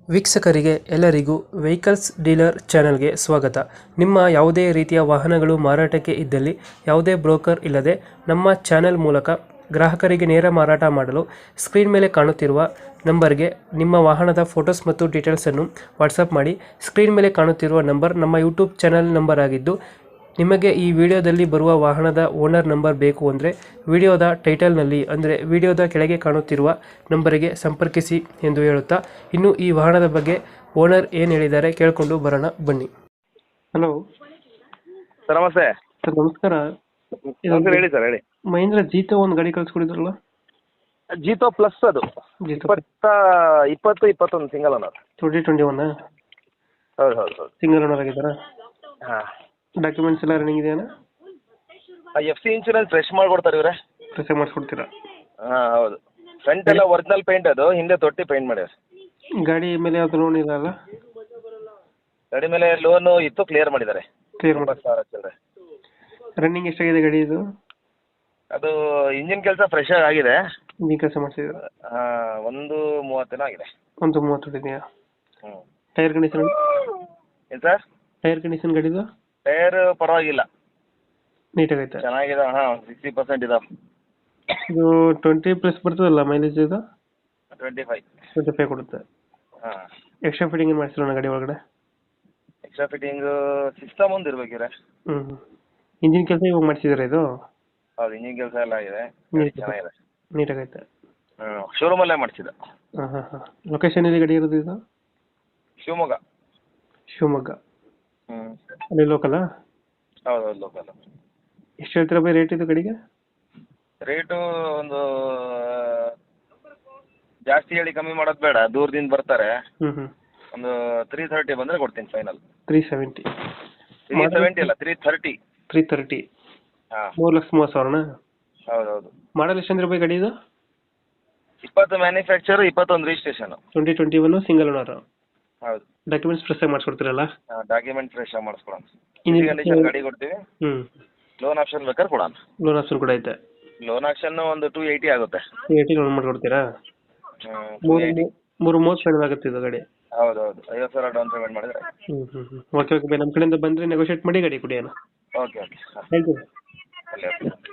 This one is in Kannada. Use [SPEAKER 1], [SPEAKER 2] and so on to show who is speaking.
[SPEAKER 1] ವೀಕ್ಷಕರಿಗೆ ಎಲ್ಲರಿಗೂ ವೆಹಿಕಲ್ಸ್ ಡೀಲರ್ ಚಾನೆಲ್ಗೆ ಸ್ವಾಗತ. ನಿಮ್ಮ ಯಾವುದೇ ರೀತಿಯ ವಾಹನಗಳು ಮಾರಾಟಕ್ಕೆ ಇದ್ದಲ್ಲಿ ಯಾವುದೇ ಬ್ರೋಕರ್ ಇಲ್ಲದೆ ನಮ್ಮ ಚಾನೆಲ್ ಮೂಲಕ ಗ್ರಾಹಕರಿಗೆ ನೇರ ಮಾರಾಟ ಮಾಡಲು ಸ್ಕ್ರೀನ್ ಮೇಲೆ ಕಾಣುತ್ತಿರುವ ನಂಬರ್ಗೆ ನಿಮ್ಮ ವಾಹನದ ಫೋಟೋಸ್ ಮತ್ತು ಡೀಟೇಲ್ಸನ್ನು ವಾಟ್ಸಪ್ ಮಾಡಿ. ಸ್ಕ್ರೀನ್ ಮೇಲೆ ಕಾಣುತ್ತಿರುವ ನಂಬರ್ ನಮ್ಮ ಯೂಟ್ಯೂಬ್ ಚಾನೆಲ್ ನಂಬರ್ ಆಗಿದ್ದು, ನಿಮಗೆ ಈ ವಿಡಿಯೋದಲ್ಲಿ ಬರುವ ವಾಹನದ ಓನರ್ ನಂಬರ್ ಬೇಕು ಅಂದರೆ ವಿಡಿಯೋದ ಟೈಟಲ್ನಲ್ಲಿ ಅಂದರೆ ವಿಡಿಯೋದ ಕೆಳಗೆ ಕಾಣುತ್ತಿರುವ ನಂಬರಿಗೆ ಸಂಪರ್ಕಿಸಿ ಎಂದು ಹೇಳುತ್ತಾ, ಇನ್ನು ಈ ವಾಹನದ ಬಗ್ಗೆ ಓನರ್ ಏನು ಹೇಳಿದ್ದಾರೆ ಕೇಳಿಕೊಂಡು ಬರೋಣ ಬನ್ನಿ. ಹಲೋ
[SPEAKER 2] ಸರ್ ನಮಸ್ತೆ.
[SPEAKER 1] ಸರ್ ನಮಸ್ಕಾರ.
[SPEAKER 2] ನಮಸ್ಕಾರ, ಹೇಳಿ ಸರ್, ಹೇಳಿ.
[SPEAKER 1] ಮಹೇಂದ್ರ ಜೀತೋ ಒಂದು ಗಾಡಿ ಕಳಿಸ್ಕೊಡಿದ್ರಲ್ಲ?
[SPEAKER 2] ಜೀತೋ ಪ್ಲಸ್ ಅದು
[SPEAKER 1] ಜೀತೋ
[SPEAKER 2] 21 ಸಿಂಗಲ್ ಓನರ್.
[SPEAKER 1] 2021
[SPEAKER 2] ಹೌದು ಹೌದು ಹೌದು.
[SPEAKER 1] ಸಿಂಗಲ್ ಓನರ್ ಆಗಿದ್ದಾರಾ?
[SPEAKER 2] ಹಾಂ.
[SPEAKER 1] ಡಾಕ್ಯುಮೆಂಟ್ಸ್ ಎಲ್ಲ ರನ್ನಿಂಗ್ ಇದೆಯಾ?
[SPEAKER 2] FC ಇನ್ಶೂರೆನ್ಸ್ ಫ್ರೆಶ್ ಮಾಡಿಕೊಡ್ತಾರೆ ಇವರೇ.
[SPEAKER 1] ಫ್ರೆಶ್ ಮಾಡಿಸ್ಕೊಡ್ತೀರಾ?
[SPEAKER 2] ಹಾಂ ಹೌದು. ಫ್ರಂಟ್ ಎಲ್ಲ ಒರಿಜಿನಲ್ ಪೇಂಟ್, ಅದು ಹಿಂದೆ ತೊಟ್ಟಿ ಪೇಂಟ್ ಮಾಡ್ಯಾರ.
[SPEAKER 1] ಗಾಡಿ ಮೇಲೆ ಯಾವ್ದು ಲೋನ್ ಇಲ್ಲ ಅಲ್ಲ?
[SPEAKER 2] ಗಾಡಿ ಮೇಲೆ ಲೋನು ಇತ್ತು, ಕ್ಲಿಯರ್ ಮಾಡಿದ್ದಾರೆ.
[SPEAKER 1] ಕ್ಲಿಯರ್ ಮಾಡಿ.
[SPEAKER 2] 20,000 ಚಿಲ್ಲರೆ.
[SPEAKER 1] ರನ್ನಿಂಗ್ ಎಷ್ಟಾಗಿದೆ ಗಾಡಿ ಇದು?
[SPEAKER 2] ಅದು ಇಂಜಿನ್ ಕೆಲಸ ಫ್ರೆಶ್ ಆಗಿದೆ.
[SPEAKER 1] ಇಂಜಿನ್ ಕೆಲಸ ಮಾಡಿಸಿದ್ರು?
[SPEAKER 2] ಹಾಂ, 1:30 ಆಗಿದೆ.
[SPEAKER 1] 1:30 ಇದೆಯಾ?
[SPEAKER 2] ಹ್ಞೂ.
[SPEAKER 1] Tyre condition?
[SPEAKER 2] ಏನು ಸರ್?
[SPEAKER 1] ಟೈರ್ ಕಂಡೀಷನ್ ಗಾಡಿದು?
[SPEAKER 2] ಟೈರ್ ಪರವಾಗಿಲ್ಲ,
[SPEAKER 1] ನೀಟಾಗೈತೆ,
[SPEAKER 2] ಚೆನ್ನಾಗಿದೆ. ಹಾಂ, 60% ಇದಾವೆ.
[SPEAKER 1] ಇದು 20+ ಬರ್ತದಲ್ಲ ಮೈಲೇಜ್? ಇದು
[SPEAKER 2] 25
[SPEAKER 1] ಕೊಡುತ್ತೆ.
[SPEAKER 2] ಹಾಂ.
[SPEAKER 1] ಎಕ್ಸ್ಟ್ರಾ ಫಿಟ್ಟಿಂಗ್ ಏನು ಮಾಡಿಸಿಲ್ಲ ಗಾಡಿ ಒಳಗಡೆ?
[SPEAKER 2] ಎಕ್ಸ್ಟ್ರಾ ಫಿಟ್ಟಿಂಗು ಸಿಸ್ಟಮ್ ಒಂದು ಇರ್ಬೇಕಿದ್ರೆ.
[SPEAKER 1] ಇಂಜಿನ್ ಕೆಲಸ ಇವಾಗ ಮಾಡಿಸಿದ್ರೆ ಇದು?
[SPEAKER 2] ಹೌದು, ಇಂಜಿನ್ ಕೆಲಸ ಎಲ್ಲ ಆಗಿದೆ, ಚೆನ್ನಾಗಿದೆ,
[SPEAKER 1] ನೀಟಾಗೈತೆ.
[SPEAKER 2] ಹ್ಞೂ. ಶೋರೂಮಲ್ಲೇ ಮಾಡಿಸಿದ.
[SPEAKER 1] ಹಾಂ. ಲೊಕೇಶನ್ ಎಲ್ಲಿ ಗಾಡಿ ಇರೋದು ಇದು?
[SPEAKER 2] ಶಿವಮೊಗ್ಗ.
[SPEAKER 1] ಶಿವಮೊಗ್ಗ.
[SPEAKER 2] ಹ್ಞೂ.
[SPEAKER 1] ಅಲ್ಲಿ ಲೋಕಲಾ?
[SPEAKER 2] ಹೌದು ಹೌದು, ಲೋಕಲ್.
[SPEAKER 1] ಎಷ್ಟು ಹೇಳ್ತೀರಾ ಬೈ ರೇಟ್ ಇದು ಗಾಡಿಗೆ?
[SPEAKER 2] ರೇಟು ಒಂದು ಜಾಸ್ತಿ ಹೇಳಿ ಕಮ್ಮಿ ಮಾಡೋದು ಬೇಡ, ದೂರದಿಂದ ಬರ್ತಾರೆ. ಒಂದು 330 ಬಂದರೆ ಕೊಡ್ತೀನಿ ಫೈನಲ್.
[SPEAKER 1] 370?
[SPEAKER 2] 370 ಅಲ್ಲ, 330.
[SPEAKER 1] 330?
[SPEAKER 2] ಹಾಂ.
[SPEAKER 1] 3,30,000?
[SPEAKER 2] ಹೌದು ಹೌದು.
[SPEAKER 1] ಮಾಡಲ್ ಎಷ್ಟು ಅಂದ್ರೆ ಬೈ ಗಾಡಿ ಇದು?
[SPEAKER 2] 20 ಮ್ಯಾನುಫ್ಯಾಕ್ಚರ್, 21 ರಿಜಿಸ್ಟ್ರೇಷನು.
[SPEAKER 1] 2021 single owner?
[SPEAKER 2] ಹೌದು.
[SPEAKER 1] ಡಾಕ್ಯುಮೆಂಟ್ಸ್ ಫ್ರೆಶ್ ಆಗಿ ಮಾಡಿಸ್ಕೊಡ್ತೀರಲ್ಲ?
[SPEAKER 2] ಹಾಂ, ಡಾಕ್ಯುಮೆಂಟ್ ಫ್ರೆಶ್ ಆಗಿ ಮಾಡಿಸ್ಕೊಡೋಣ. ಇಂಜಿನ್ ಕಂಡೀಷನ್ ಗಾಡಿ ಕೊಡ್ತೀವಿ. ಲೋನ್ ಆಪ್ಷನ್ ಬೇಕಾದ್ರೆ ಕೊಡೋಣ.
[SPEAKER 1] ಲೋನ್ ಆಪ್ಷನ್ ಕೂಡ ಐತೆ?
[SPEAKER 2] ಲೋನ್ ಆಪ್ಷನ್ ಒಂದು 280 ಆಗುತ್ತೆ.
[SPEAKER 1] 280 ಲೋನ್ ಮಾಡ್ಕೊಡ್ತೀರಾ? 330 ಫೈನಲ್ ಆಗುತ್ತೆ ಇದು ಗಾಡಿ?
[SPEAKER 2] ಹೌದು ಹೌದು. 50,000 ಡೌನ್ ಪೇಮೆಂಟ್ ಮಾಡಿದ್ರೆ.
[SPEAKER 1] ಓಕೆ ಬೈ, ನಮ್ಮ ಕಡೆಯಿಂದ ಬಂದರೆ ನೆಗೋಷಿಯೇಟ್ ಮಾಡಿ ಗಾಡಿ ಕೊಡಿ ಅಣ್ಣ.
[SPEAKER 2] Okay okay.
[SPEAKER 1] Thank you.
[SPEAKER 2] ಒಳ್ಳೆ